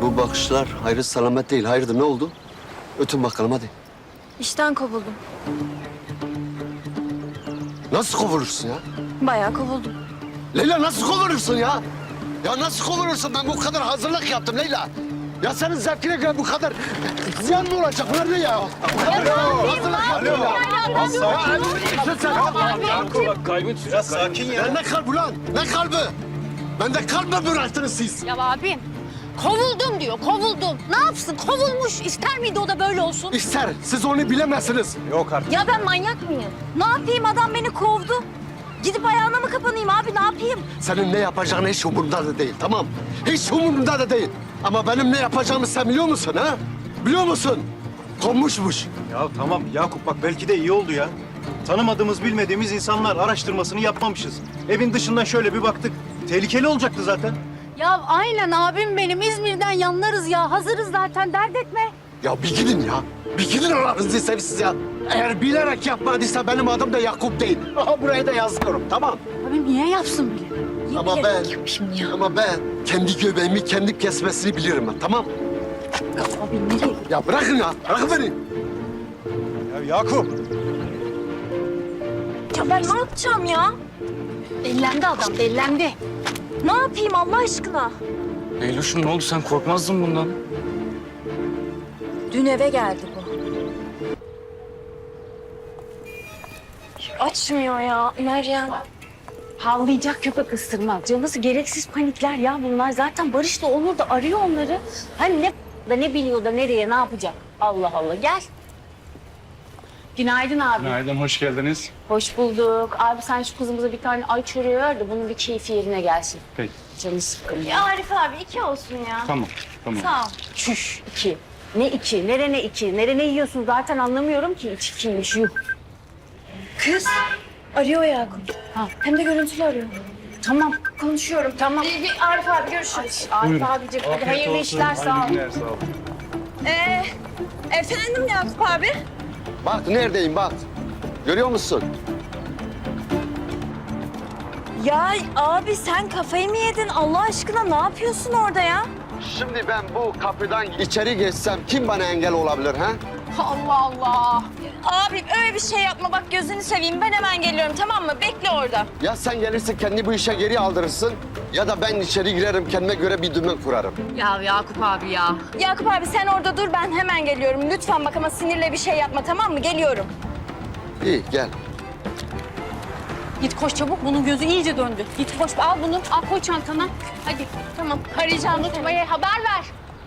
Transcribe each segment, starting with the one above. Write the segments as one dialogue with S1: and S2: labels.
S1: Bu bakışlar hayrı selamet değil. Hayırdır ne oldu? Ötün bakalım hadi.
S2: İşten kovuldum.
S1: Nasıl kovulursun ya?
S2: Bayağı kovuldum.
S1: Leyla nasıl kovulursun ya? Ya nasıl kovulursun? Ben bu kadar hazırlık yaptım Leyla. Ya senin zevkine göre bu kadar ziyan mı olacak? Bunlar ne ya?
S3: Bak kalbin biraz sakin ya.
S1: Ne kalbi lan? Ne kalbi? Bende kalp mi bıraktınız siz?
S4: Ya abim kovuldum diyor, kovuldum. Ne yapsın? Kovulmuş. İster miydi o da böyle olsun?
S1: İster. Siz onu bilemezsiniz.
S3: Yok artık.
S2: Ya ben manyak mıyım? Ne yapayım, adam beni kovdu. Gidip ayağına mı kapanayım abi, ne yapayım?
S1: Senin ne yapacağın hiç umurumda da değil, tamam? Hiç umurumda da değil. Ama benim ne yapacağımı sen biliyor musun ha? Biliyor musun? Kovmuşmuş.
S3: Ya tamam Yakup bak belki de iyi oldu ya. Tanımadığımız bilmediğimiz insanlar araştırmasını yapmamışız. Evin dışından şöyle bir baktık. Tehlikeli olacaktı zaten.
S4: Ya aynen abim benim. İzmir'den yanlarız ya. Hazırız zaten, dert etme.
S1: Ya bir gidin ya. Bir gidin Allah'ınızı sevsiz ya. Eğer bilerek yapmadıysa benim adım da Yakup değil. Aha buraya da yazıyorum, tamam?
S4: Abim niye yapsın bile?
S1: Ama ben kendi göbeğimi kendim kesmesini bilirim ben, tamam?
S4: Abim nereye?
S1: Ya bırakın ya, bırakın beni.
S3: Ya Yakup.
S2: Ya ben ne yapacağım ya?
S4: Bellendi adam, bellendi.
S2: Ne yapayım Allah aşkına?
S5: Leyloş'um ne oldu? Sen korkmazdın bundan.
S2: Dün eve geldi bu. Açmıyor ya Meryem.
S4: Havlayacak köpek ısırmaz. Canısı gereksiz panikler ya bunlar. Zaten Barış da Onur da arıyor onları. Hani ne biliyor da nereye, ne yapacak? Allah Allah, gel. Günaydın abi.
S5: Günaydın, hoş geldiniz.
S4: Hoş bulduk. Abi sen şu kızımıza bir tane ay çöreği ver de bunun bir keyfi yerine gelsin.
S5: Peki,
S4: Canı sıkkın ya.
S2: Ya Arif abi 2 olsun ya.
S5: tamam.
S2: Sağ ol.
S4: Çüş, 2. Ne 2? Ne 2? Ne yiyorsun zaten anlamıyorum ki. İç 2'ymiş, yuh.
S2: Kız arıyor Yakup.
S4: Ha.
S2: Hem de görüntülü arıyor.
S4: Tamam, konuşuyorum, tamam.
S2: Arif abi görüşürüz.
S4: Arif abicim, hadi hayırlı işler, sağ ol.
S5: Hayırlı günler, sağ ol.
S2: Efendim Yakup abi?
S1: Bak neredeyim bak. Görüyor musun?
S2: Ya abi sen kafayı mı yedin? Allah aşkına ne yapıyorsun orada ya?
S1: Şimdi ben bu kapıdan içeri geçsem kim bana engel olabilir ha?
S4: Allah Allah.
S2: Abi öyle bir şey yapma bak gözünü seveyim. Ben hemen geliyorum tamam mı? Bekle orada.
S1: Ya sen gelirsin kendi bu işe geri aldırırsın ya da ben içeri girerim kendime göre bir dümen kurarım.
S4: Ya Yakup abi ya.
S2: Yakup abi sen orada dur ben hemen geliyorum. Lütfen bak ama sinirle bir şey yapma tamam mı? Geliyorum.
S1: İyi gel.
S4: Git koş çabuk, bunun gözü iyice döndü. Git koş, al bunu, al koy çantana. Hadi, tamam. Arayacağım, unutmayı haber ver.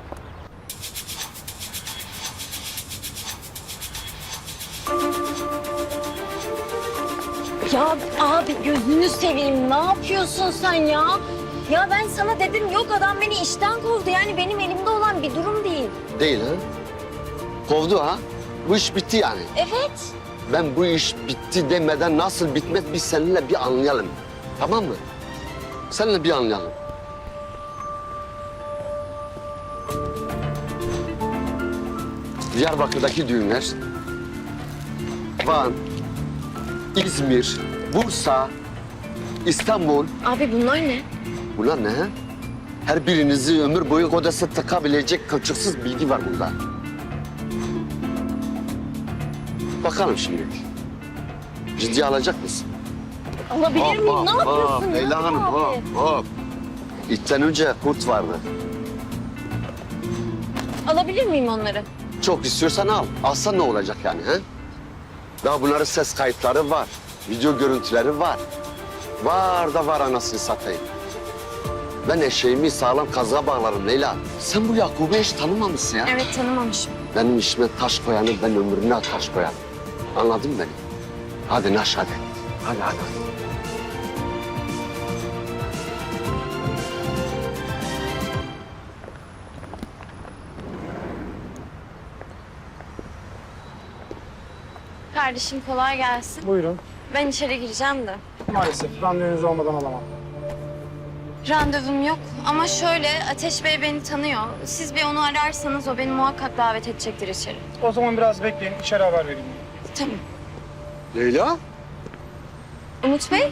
S2: Ya abi gözünü seveyim. Ne yapıyorsun sen ya? Ya ben sana dedim yok adam beni işten kovdu. Yani benim elimde olan bir durum değil.
S1: Değil ha? Kovdu ha? Bu iş bitti yani.
S2: Evet.
S1: Ben bu iş bitti demeden nasıl bitmez biz seninle bir anlayalım. Tamam mı? Seninle bir anlayalım. Diyarbakır'daki düğünler, Van, İzmir, Bursa, İstanbul.
S2: Abi bunlar ne?
S1: Bunlar ne ha? Her birinizi ömür boyu odası takabilecek kılçıksız bilgi var bunda. Bakalım şimdi. Ciddiye alacak mısın?
S2: Alabilir miyim? Ne yapıyorsun? ya
S1: Leyla Hanım,
S2: abi?
S1: hop. İçten önce kurt vardı.
S2: Alabilir miyim onları?
S1: Çok istiyorsan al. Alsan ne olacak yani ha? Daha bunların ses kayıtları var. Video görüntüleri var. Var da var anasını satayım. Ben eşeğimi sağlam kazığa bağlarım Leyla. Sen bu Yakup'u hiç tanımamışsın ya.
S2: Evet tanımamışım.
S1: Benim işime taş koyanı ben ömrüne taş koyarım. Anladın mı beni? Hadi naş hadi. Hadi.
S2: Kardeşim kolay gelsin.
S6: Buyurun.
S2: Ben içeri gireceğim de.
S6: Maalesef randevunuz olmadan alamam.
S2: Randevum yok ama şöyle Ateş Bey beni tanıyor. Siz bir onu ararsanız o beni muhakkak davet edecektir içeri.
S6: O zaman biraz bekleyin, içeri haber vereyim.
S2: Tamam.
S1: Leyla?
S2: Umut Bey?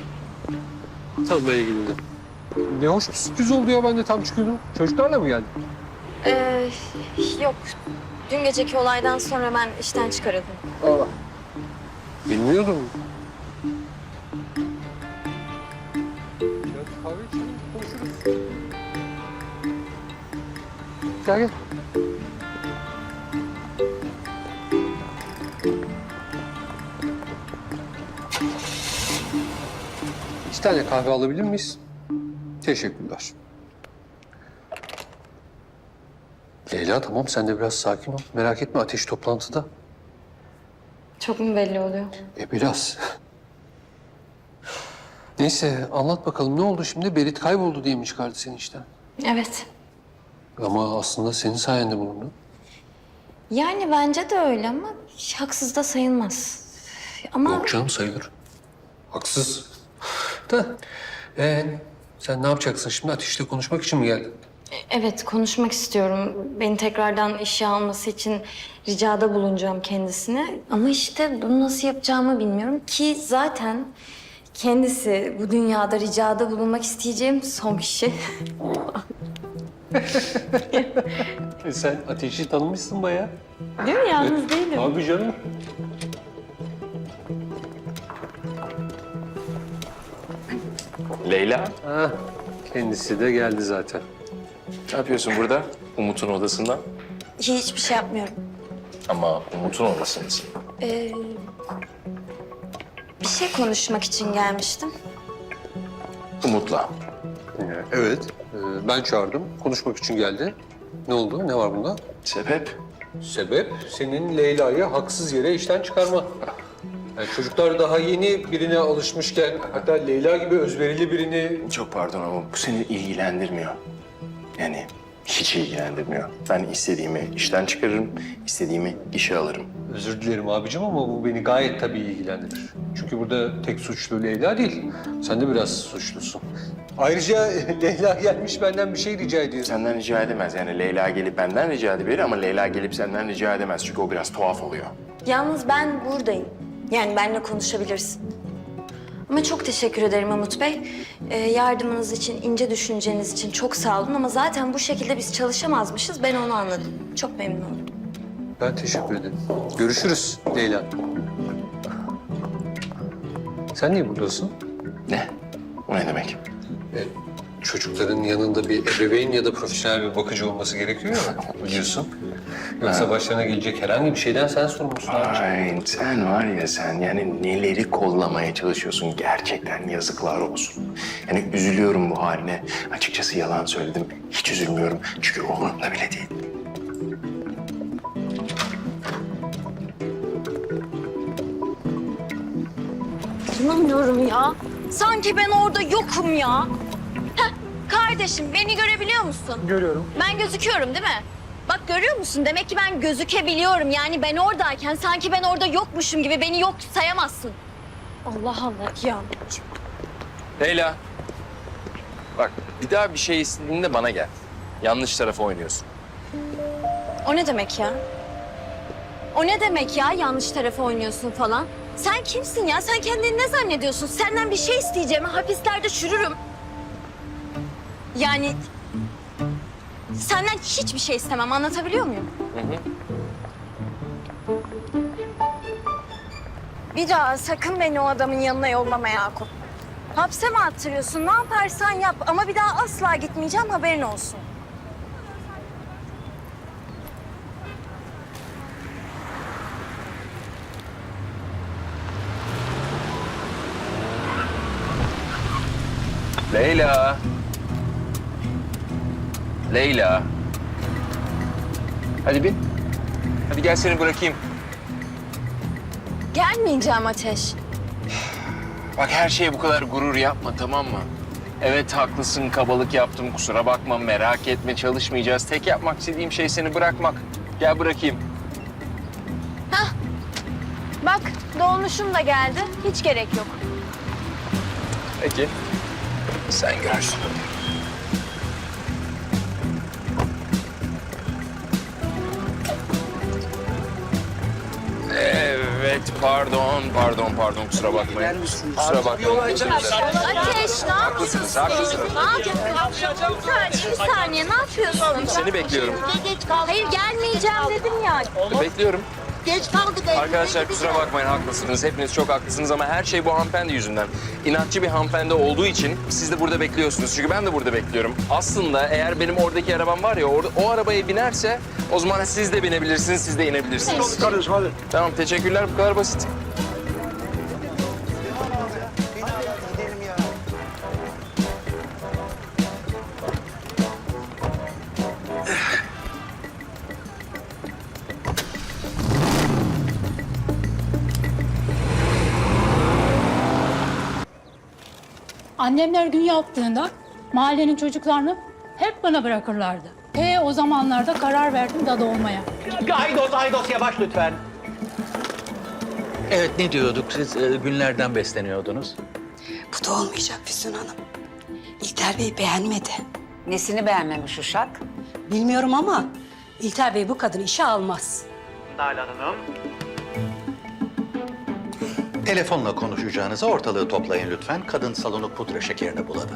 S7: Tanımaya geldim. Ne hoş bir sürpriz oldu ya, ben de tam çıkıyordum. Çocuklarla mı geldin?
S2: Yok. Dün geceki olaydan sonra ben işten çıkarıldım.
S7: Bilmiyordum. Gel gel. İki tane kahve alabilir miyiz? Teşekkürler. Leyla tamam sen de biraz sakin ol. Merak etme Ateş toplantıda.
S2: Çok mu belli oluyor?
S7: Biraz. Neyse anlat bakalım ne oldu şimdi? Berit kayboldu diye mi çıkardı seni işten?
S2: Evet.
S7: Ama aslında senin sayende bulundu.
S2: Yani bence de öyle ama haksız da sayılmaz. Ama
S7: Yok canım sayılır. Haksız. Da sen ne yapacaksın şimdi? Ateş'le konuşmak için mi geldin?
S2: evet konuşmak istiyorum. Beni tekrardan işe alması için ricada bulunacağım kendisine. Ama işte bunu nasıl yapacağımı bilmiyorum ki zaten kendisi bu dünyada ricada bulunmak isteyeceğim son kişi.
S7: Sen Ateş'i tanımışsın bayağı.
S2: Değil mi? Yalnız değilim.
S7: Abi canım.
S8: Leyla,
S7: Ha, kendisi de geldi zaten.
S8: ne yapıyorsun burada? Umut'un odasında.
S2: Hiçbir şey yapmıyorum.
S8: Ama Umut'un odasındasın.
S2: Bir şey konuşmak için gelmiştim.
S8: Umut'la.
S7: Evet. Ben çağırdım. Konuşmak için geldi. Ne oldu? Ne var bunda?
S8: Sebep?
S7: Sebep senin Leyla'yı haksız yere işten çıkarma. Yani çocuklar daha yeni birine alışmışken hatta Leyla gibi özverili birini...
S8: Çok pardon ama bu seni ilgilendirmiyor. Yani hiç ilgilendirmiyor. Ben istediğimi işten çıkarırım, istediğimi işe alırım.
S7: Özür dilerim abicim ama bu beni gayet tabii ilgilendirir. Çünkü burada tek suçlu Leyla değil. Sen de biraz suçlusun. Ayrıca Leyla gelmiş benden bir şey rica ediyor.
S8: Senden rica edemez. Yani Leyla gelip benden rica edebilir ama Leyla gelip senden rica edemez. Çünkü o biraz tuhaf oluyor.
S2: Yalnız ben buradayım. Yani benimle konuşabilirsin. Ama çok teşekkür ederim Umut Bey. Yardımınız için, ince düşünceniz için çok sağ olun. Ama zaten bu şekilde biz çalışamazmışız. Ben onu anladım. Çok memnun oldum.
S7: Ben teşekkür ederim. Görüşürüz Leyla. Sen niye buradasın?
S8: Ne? O ne demek?
S7: Çocukların yanında bir ebeveyn ya da profesyonel bir bakıcı olması gerekiyor ya biliyorsun. Yoksa başlarına gelecek herhangi bir şeyden sen sorumlusun abiciğim.
S8: Ay sen var ya sen yani neleri kollamaya çalışıyorsun gerçekten yazıklar olsun. Yani üzülüyorum bu haline. Açıkçası yalan söyledim. Hiç üzülmüyorum çünkü umurumda bile değil.
S2: İnanmıyorum ya. Sanki ben orada yokum ya. Heh, kardeşim beni görebiliyor musun?
S6: Görüyorum.
S2: Ben gözüküyorum değil mi? Bak görüyor musun? Demek ki ben gözükebiliyorum. Yani ben oradayken sanki ben orada yokmuşum gibi beni yok sayamazsın. Allah Allah ya.
S8: Leyla. Bak bir daha bir şey istediğinde bana gel. Yanlış tarafa oynuyorsun.
S2: O ne demek ya? O ne demek ya yanlış tarafa oynuyorsun falan? Sen kimsin ya? Sen kendini ne zannediyorsun? Senden bir şey isteyeceğime hapislerde çürürüm. Yani senden hiçbir şey istemem. Anlatabiliyor muyum? Bir daha sakın beni o adamın yanına yollama Yakup. Hapse mi attırıyorsun? Ne yaparsan yap. Ama bir daha asla gitmeyeceğim. Haberin olsun.
S8: Leyla. Leyla. Hadi bin. Hadi gel seni bırakayım.
S2: Gelmeyeceğim Ateş.
S8: Bak her şeye bu kadar gurur yapma tamam mı? Evet haklısın kabalık yaptım kusura bakma merak etme çalışmayacağız. Tek yapmak istediğim şey seni bırakmak. Gel bırakayım.
S2: Bak dolmuşum da geldi. Hiç gerek yok.
S8: Peki. Sen görürsün. Evet
S9: Evet, pardon, kusura bakmayın. Kusura bakmayın.
S2: Ateş, ne yapıyorsun?
S9: Haklısınız.
S2: Ne yapıyorsun? Bir saniye, ne yapıyorsun?
S9: Seni bekliyorum.
S2: Hayır, gelmeyeceğim dedim ya.
S9: Bekliyorum. Arkadaşlar kusura bakmayın, haklısınız. Hepiniz çok haklısınız ama her şey bu hanımefendi yüzünden. İnatçı bir hanımefendi olduğu için siz de burada bekliyorsunuz. Çünkü ben de burada bekliyorum. Aslında eğer benim oradaki arabam var ya, o arabaya binerse o zaman siz de binebilirsiniz, siz de inebilirsiniz.
S6: Kardeşim hadi.
S9: Tamam, teşekkürler. Bu kadar basit.
S10: Annemler gün yaptığında mahallenin çocuklarını hep bana bırakırlardı. O zamanlarda karar verdim dadı olmaya.
S11: Aydos yavaş lütfen.
S12: Evet, ne diyorduk? Siz günlerden besleniyordunuz.
S13: Bu da olmayacak Füsun Hanım. İlter Bey beğenmedi.
S4: Nesini beğenmemiş uşak?
S13: Bilmiyorum ama İlter Bey bu kadını işe almaz.
S11: Nalan Hanım. Telefonla konuşacağınıza ortalığı toplayın lütfen. Kadın salonu pudra şekerine buladı.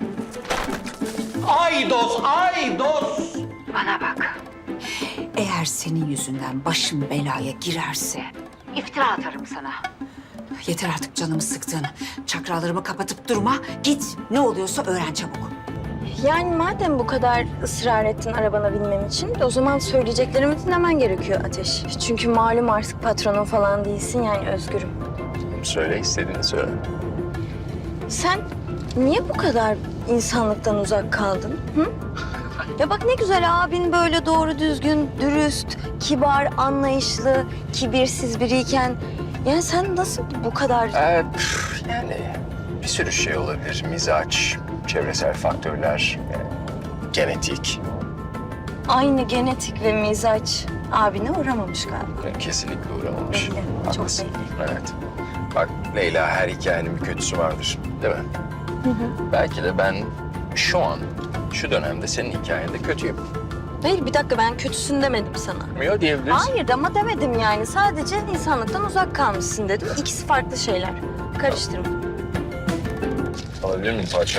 S11: Aydos!
S4: Bana bak. Eğer senin yüzünden başım belaya girerse iftira atarım sana.
S13: Yeter artık canımı sıktığını. Çakralarımı kapatıp durma. Git ne oluyorsa öğren çabuk.
S2: Yani madem bu kadar ısrar ettin arabana binmem için, o zaman söyleyeceklerimi dinlemen gerekiyor Ateş. Çünkü malum artık patronun falan değilsin, yani özgürüm.
S9: Söyle, istediğini söyle.
S2: Sen niye bu kadar insanlıktan uzak kaldın? Hı? Ya bak ne güzel abin böyle doğru düzgün, dürüst, kibar, anlayışlı, kibirsiz biriyken... Yani sen nasıl bu kadar...
S8: Yani bir sürü şey olabilir. Mizaç, çevresel faktörler, genetik.
S2: Aynı genetik ve mizaç abine uğramamış galiba.
S8: Kesinlikle uğramamış.
S2: Belli, çok
S8: Haklısın.
S2: belli.
S8: Evet. Bak Leyla, her hikayenin bir kötüsü vardır, değil mi? Belki de ben şu an, şu dönemde senin hikayende kötüyüm.
S2: Hayır bir dakika, ben kötüsün demedim sana.
S9: Yok diyebiliriz.
S2: Hayır ama demedim yani. Sadece insanlıktan uzak kalmışsın dedim. İkisi farklı şeyler. Karıştırma.
S9: Alabilir miyim parça?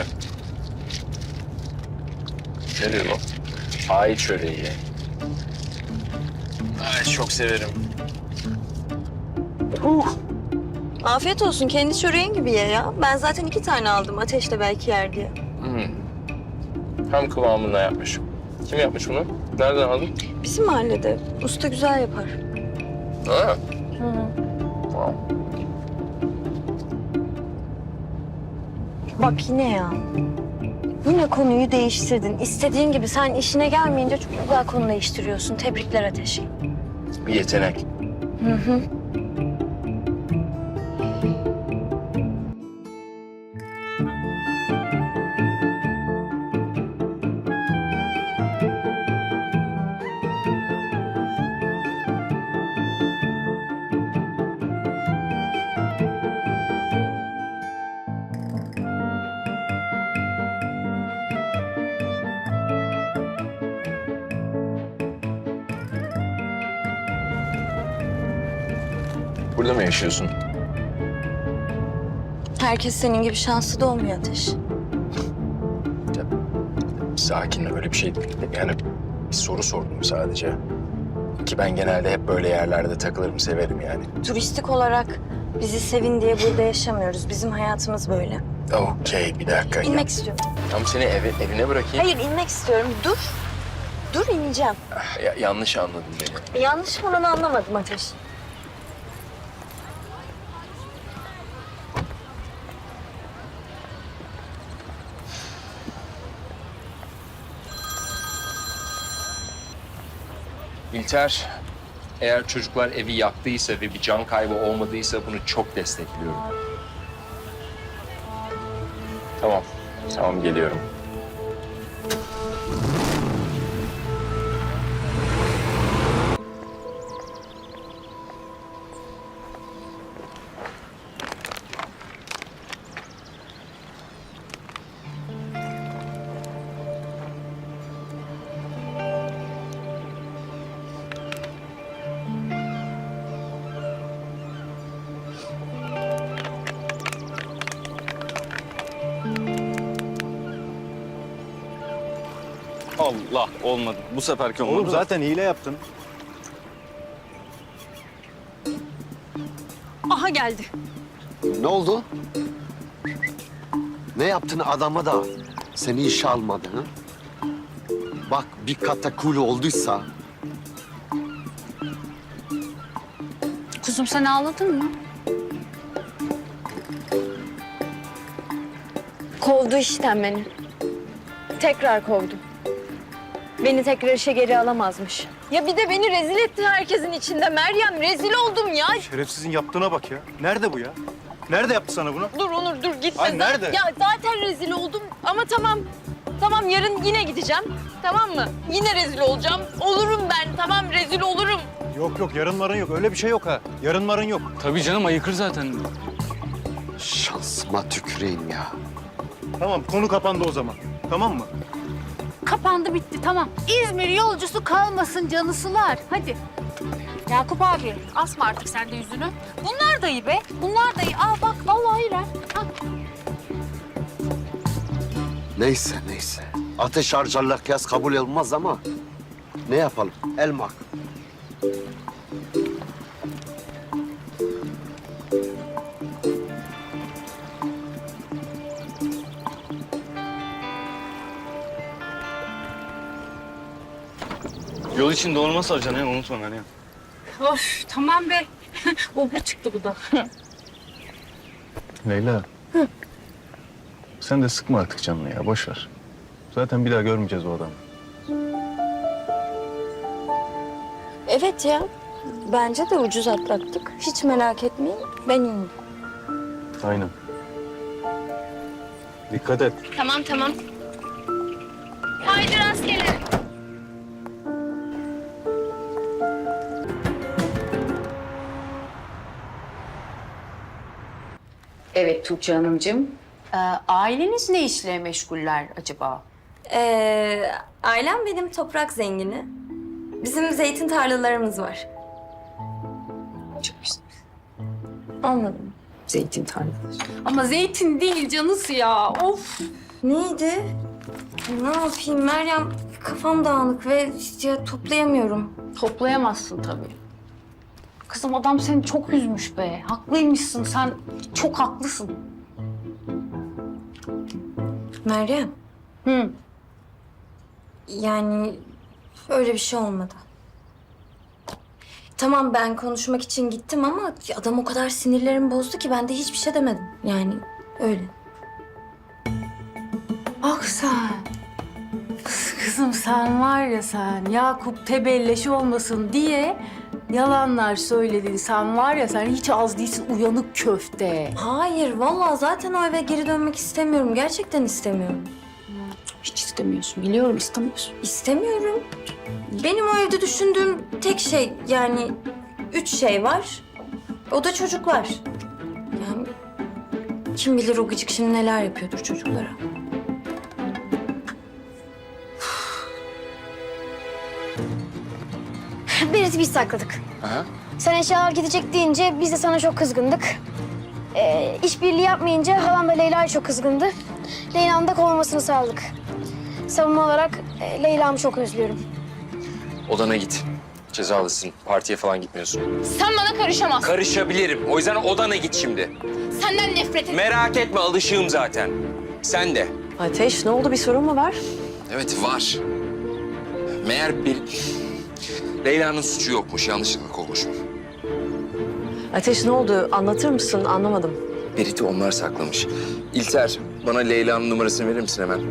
S9: Ne diyor bu? Ay çöreği. Ay çok severim.
S2: Afiyet olsun. Kendi çöreğin gibi ye ya. Ben zaten 2 tane aldım. Ateşle belki yer diye.
S9: Tam kıvamında yapmış. Kim yapmış bunu? Nereden aldın?
S2: Bizim mahallede. Usta güzel yapar.
S9: Ha. Wow.
S2: Bak yine ya. Yine konuyu değiştirdin. İstediğin gibi sen işine gelmeyince çok güzel konu değiştiriyorsun. Tebrikler Ateş.
S9: Bir yetenek. Burada mı yaşıyorsun?
S2: Herkes senin gibi şanslı da olmuyor Ateş.
S8: Sakin, öyle bir şey değil. Yani bir soru sordum sadece. Ki ben genelde hep böyle yerlerde takılırım, severim yani.
S2: Turistik olarak bizi sevin diye burada yaşamıyoruz. Bizim hayatımız böyle.
S8: Okey, bir dakika.
S2: İnmek istiyorum.
S9: Tamam seni evine bırakayım.
S2: Hayır inmek istiyorum. Dur. Dur ineceğim.
S9: Yanlış anladın beni.
S2: Yanlış falan anlamadım Ateş.
S9: İlter, eğer çocuklar evi yaktıysa ve bir can kaybı olmadıysa bunu çok destekliyorum. Tamam geliyorum.
S5: Allah olmadı. Bu seferki olmadı.
S3: Oğlum zaten hile yaptın.
S4: Aha geldi.
S1: Ne oldu? Ne yaptın adama da seni işe almadı ha? Bak bir katakuli olduysa
S4: Kuzum sen ağladın mı?
S2: Kovdu işten beni. Tekrar kovdu. Beni tekrar işe geri alamazmış. Ya bir de beni rezil etti herkesin içinde Meryem. Rezil oldum ya.
S3: Şerefsizin yaptığına bak ya. Nerede bu ya? Nerede yaptı sana bunu?
S2: Dur Onur dur gitme.
S3: Ay, nerede?
S2: Ya zaten rezil oldum ama tamam. Tamam yarın yine gideceğim. Tamam mı? Yine rezil olacağım. Olurum ben tamam rezil olurum.
S3: Yok yok yarın marın yok. Öyle bir şey yok ha. Yarın marın yok.
S5: Tabii canım ayıkır zaten.
S1: şansıma tüküreyim ya.
S3: Tamam konu kapandı o zaman. Tamam mı?
S10: Kapandı bitti tamam. İzmir yolcusu kalmasın canısılar. Hadi. Yakup abi asma artık sen de yüzünü. Bunlar da iyi be. Bunlar da iyi. Al bak vallahi iyiler. Al.
S1: Neyse neyse. Ateş harcarlar kıyas kabul olmaz ama ne yapalım? Elmak.
S5: Yol için dondurma saracaksın ya unutma Meryem.
S10: Of tamam be. Obur çıktı bu da.
S3: Leyla. Sen de sıkma artık canını ya. Boş ver. Zaten bir daha görmeyeceğiz o adamı.
S2: Evet ya. Bence de ucuz atlattık. Hiç merak etmeyin. Ben iyiyim.
S3: Aynen. Dikkat et.
S2: Tamam tamam. Haydi rastgele.
S13: Evet Tuğçe Hanımcığım. Aileniz ne işle meşguller acaba?
S2: Ailem benim toprak zengini. Bizim zeytin tarlalarımız var.
S13: Çok güzel.
S2: Anladım.
S13: Zeytin tarlaları.
S10: Ama zeytin değil canısı ya. Of.
S2: Neydi? Ne yapayım Meryem? Kafam dağınık ve ya, toplayamıyorum.
S10: Toplayamazsın tabii. Kızım adam seni çok üzmüş be. Haklıymışsın sen. Çok haklısın.
S2: Meryem.
S10: Hı.
S2: Yani öyle bir şey olmadı. Tamam ben konuşmak için gittim ama adam o kadar sinirlerimi bozdu ki ben de hiçbir şey demedim. Yani öyle.
S10: Bak sen. Kızım sen var ya sen Yakup tebelleş olmasın diye yalanlar söyledin. Sen var ya sen hiç az değilsin uyanık köfte.
S2: Hayır vallahi zaten o eve geri dönmek istemiyorum. Gerçekten istemiyorum.
S10: Hiç istemiyorsun biliyorum istemiyorsun.
S2: İstemiyorum. Benim o evde düşündüğüm tek şey yani 3 şey var. O da çocuklar. Yani kim bilir o gıcık şimdi neler yapıyordur çocuklara.
S14: Birisi biz sakladık.
S9: Aha.
S14: Sen eşyalar gidecek deyince biz de sana çok kızgındık. İşbirliği yapmayınca halam da Leyla'ya çok kızgındı. Leyla'nın da kovulmasını sağladık. Savunma olarak Leyla'mı çok özlüyorum.
S9: Odana git. Cezalısın. Partiye falan gitmiyorsun.
S10: Sen bana karışamazsın.
S9: Karışabilirim. O yüzden odana git şimdi.
S10: Senden nefret ederim.
S9: Merak etme alışığım zaten. Sen de.
S2: Ateş ne oldu bir sorun mu var?
S9: Evet var. Meğer bir... Leyla'nın suçu yokmuş. Yanlışlıkla kovmuşum.
S2: Ateş ne oldu anlatır mısın anlamadım.
S9: Berit'i onlar saklamış. İlter, bana Leyla'nın numarasını verir misin hemen?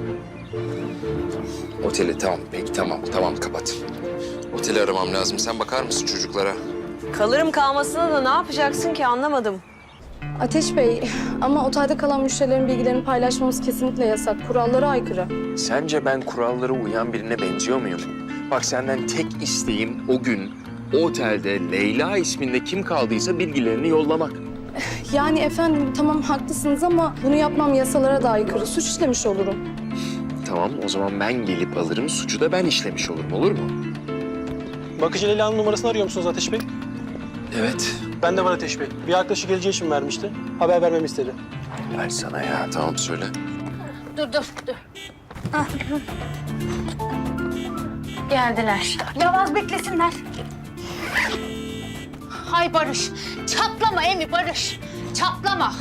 S9: Oteli tamam. Peki tamam kapat. Oteli aramam lazım. Sen bakar mısın çocuklara?
S2: Kalırım kalmasına da ne yapacaksın ki anlamadım.
S15: Ateş Bey, ama otelde kalan müşterilerin bilgilerini paylaşmamız kesinlikle yasak. Kurallara aykırı.
S9: Sence ben kurallara uyan birine benziyor muyum? Bak senden tek isteğim o gün o otelde Leyla isminde kim kaldıysa bilgilerini yollamak.
S15: Yani efendim tamam haklısınız ama bunu yapmam yasalara da aykırı. Suç işlemiş olurum.
S9: Tamam o zaman ben gelip alırım. Suçu da ben işlemiş olurum olur mu?
S6: Bakıcı Leyla'nın numarasını arıyor musunuz Ateş Bey?
S9: Evet.
S6: Ben de var Ateş Bey. Bir arkadaşı geleceği için vermişti. Haber vermemi istedi.
S9: Ver sana ya tamam söyle.
S10: Dur.
S4: Geldiler. Yavaz beklesinler. Hay Barış. Çatlama Emi Barış. Çatlama.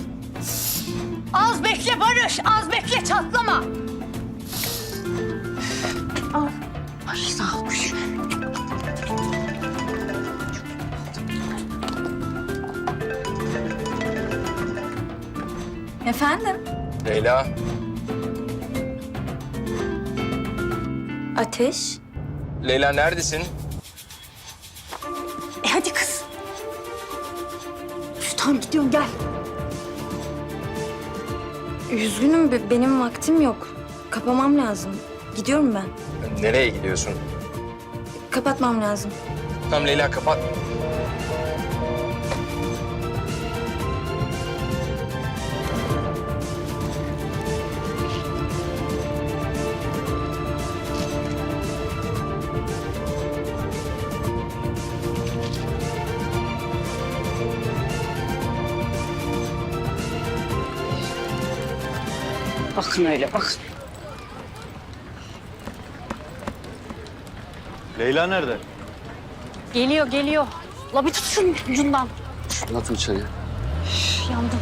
S4: Az bekle Barış. Az bekle çatlama. Ay sağ ol.
S2: Efendim?
S9: Leyla.
S2: Ateş?
S9: Leyla neredesin?
S4: Hadi kız. Tamam gidiyorum gel.
S2: Üzgünüm, benim vaktim yok. Kapamam lazım. Gidiyorum ben.
S9: Nereye gidiyorsun?
S2: Kapatmam lazım.
S9: Tamam Leyla kapat.
S4: Bakın öyle bak.
S3: Leyla nerede?
S4: Geliyor geliyor. La bir tut şunun ucundan.
S1: Anlatın içeriye.
S4: Üf, yandım.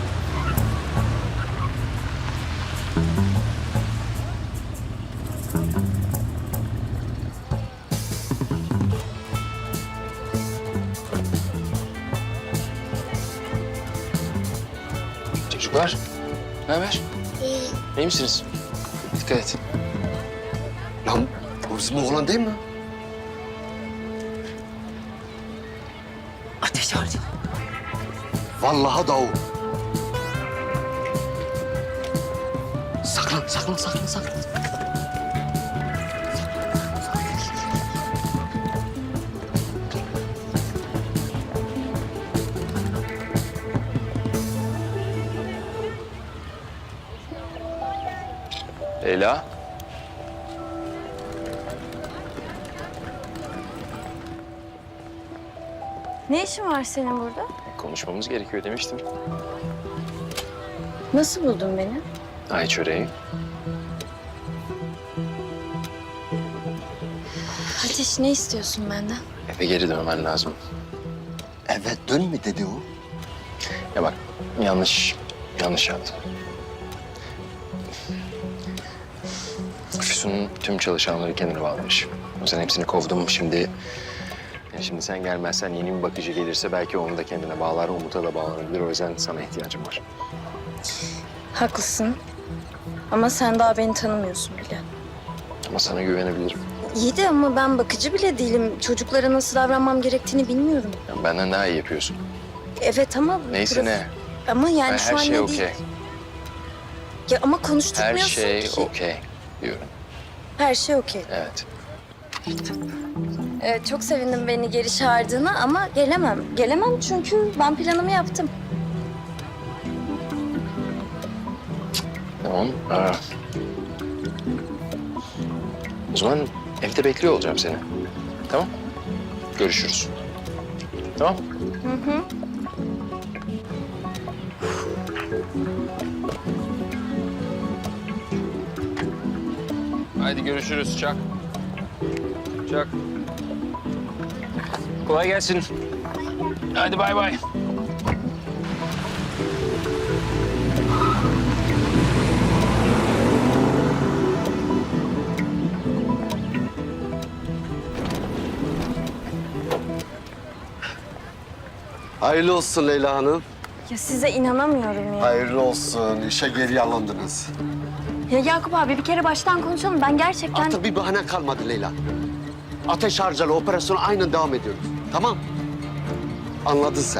S9: Çocuklar, ne haber? İyi misiniz? Dikkat et.
S1: Lan bu bizim oğlan değil mi?
S13: Ateş harcı.
S1: Vallahi da o. Saklan, saklan, saklan, saklan.
S9: Leyla.
S2: Ne işin var senin burada?
S9: Konuşmamız gerekiyor demiştim.
S2: Nasıl buldun beni?
S9: Ay çöreği.
S2: Ateş, ne istiyorsun benden?
S9: Eve geri dönmen lazım.
S1: Evet, dön mü dedi o?
S9: Ya bak, yanlış yaptım. Füsun'un tüm çalışanları kendine bağlamış. O yüzden hepsini kovdum. Şimdi sen gelmezsen yeni bir bakıcı gelirse belki onu da kendine bağlar, Umut'a da bağlanabilir. O yüzden sana ihtiyacım var.
S2: Haklısın. Ama sen daha beni tanımıyorsun bile.
S9: Ama sana güvenebilirim.
S2: İyi de ama ben bakıcı bile değilim. Çocuklara nasıl davranmam gerektiğini bilmiyorum.
S9: Yani benden daha iyi yapıyorsun.
S2: Evet ama...
S9: Neyse ne.
S2: Ama yani
S9: Ben
S2: şu
S9: her
S2: an
S9: şey
S2: ne
S9: okey.
S2: değil. Ya ama
S9: Her
S2: konuşturmuyorsun
S9: şey
S2: ki.
S9: okey diyorum.
S2: Her şey okey.
S9: Evet.
S2: Evet, çok sevindim beni geri çağırdığına ama gelemem. Gelemem çünkü ben planımı yaptım.
S9: Tamam. O zaman evde bekliyor olacağım seni. Tamam? Görüşürüz. Tamam?
S2: Hı hı.
S9: Haydi görüşürüz Çak. Çak. Kolay gelsin. Hadi bay bay.
S1: Hayırlı olsun Leyla Hanım.
S2: Ya size inanamıyorum ya.
S1: Hayırlı olsun. İşe geri alındınız.
S2: Ya Yakup abi bir kere baştan konuşalım. Ben gerçekten...
S1: Artık bir bahane kalmadı Leyla. Ateş harcalı operasyonu aynen devam ediyoruz. Tamam? Anladın sen.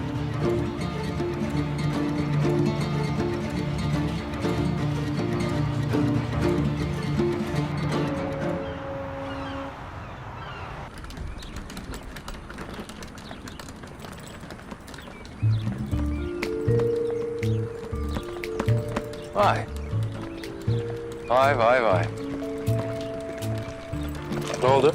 S9: Vay. Vay vay vay. Ne oldu?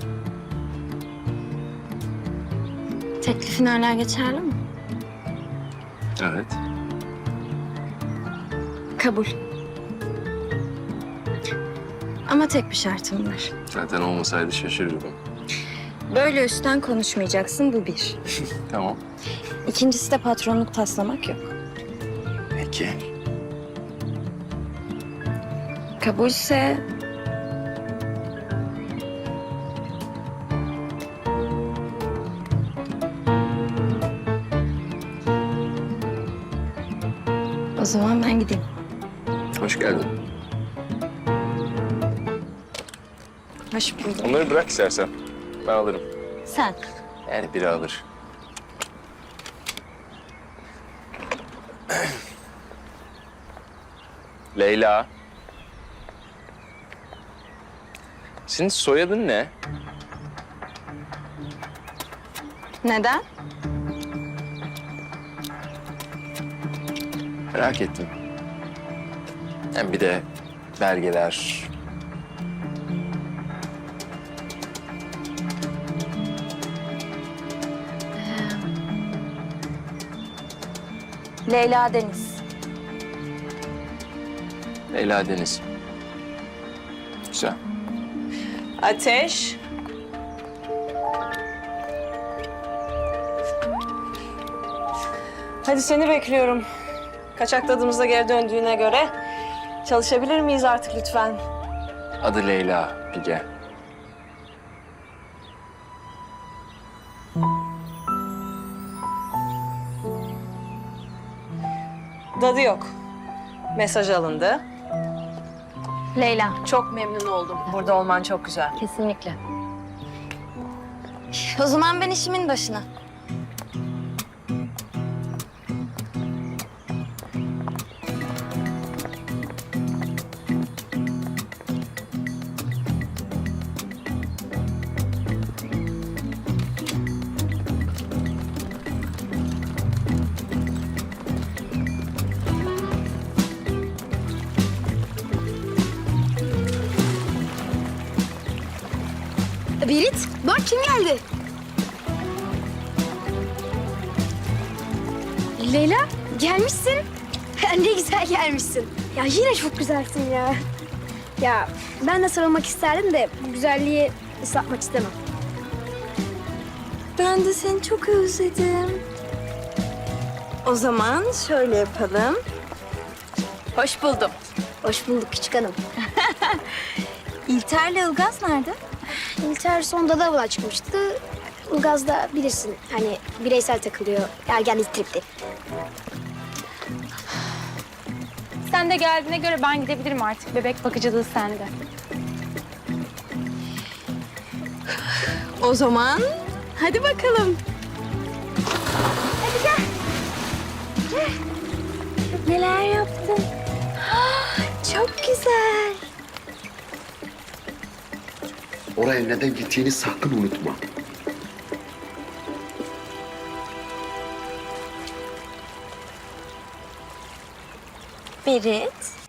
S2: Teklifin hala geçerli mi?
S9: Evet.
S2: Kabul. Ama tek bir şartım var.
S9: Zaten olmasaydı şaşırırdım.
S2: Böyle üstten konuşmayacaksın, bu bir.
S9: Tamam.
S2: İkincisi de patronluk taslamak yok.
S9: Peki.
S2: Kabulse o zaman ben gideyim.
S9: Hoş geldin.
S2: Hoş buldum.
S9: Onları bırak istersen. Ben alırım.
S2: Sen.
S9: Yani biri alır. Leyla. Senin soyadın ne?
S2: Neden?
S9: Merak ettim. Hem bir de belgeler.
S2: Leyla Deniz.
S9: Leyla Deniz. Güzel.
S10: Ateş. Hadi seni bekliyorum. Kaçak tadımıza geri döndüğüne göre çalışabilir miyiz artık lütfen?
S9: Adı Leyla Pige.
S10: Dadı yok. Mesaj alındı.
S2: Leyla.
S10: Çok memnun oldum. Burada olman çok güzel.
S2: Kesinlikle. O zaman ben işimin başına.
S14: Berit, bak kim geldi? Leyla, gelmişsin. Ne güzel gelmişsin. Ya yine çok güzelsin ya. Ya ben de sarılmak isterdim de bu güzelliği ıslatmak istemem.
S2: Ben de seni çok özledim. O zaman şöyle yapalım.
S10: Hoş buldum.
S14: Hoş bulduk küçük hanım.
S2: İlter'le Ilgaz nerede?
S14: İlter sonunda da avla çıkmıştı. Ilgaz da bilirsin hani bireysel takılıyor. Ergenlik tripli.
S15: Sen de geldiğine göre ben gidebilirim artık. Bebek bakıcılığı sende.
S2: O zaman hadi bakalım.
S14: Neler yaptın?
S2: Çok güzel.
S1: Oraya neden gittiğini sakın unutma.
S2: Berit.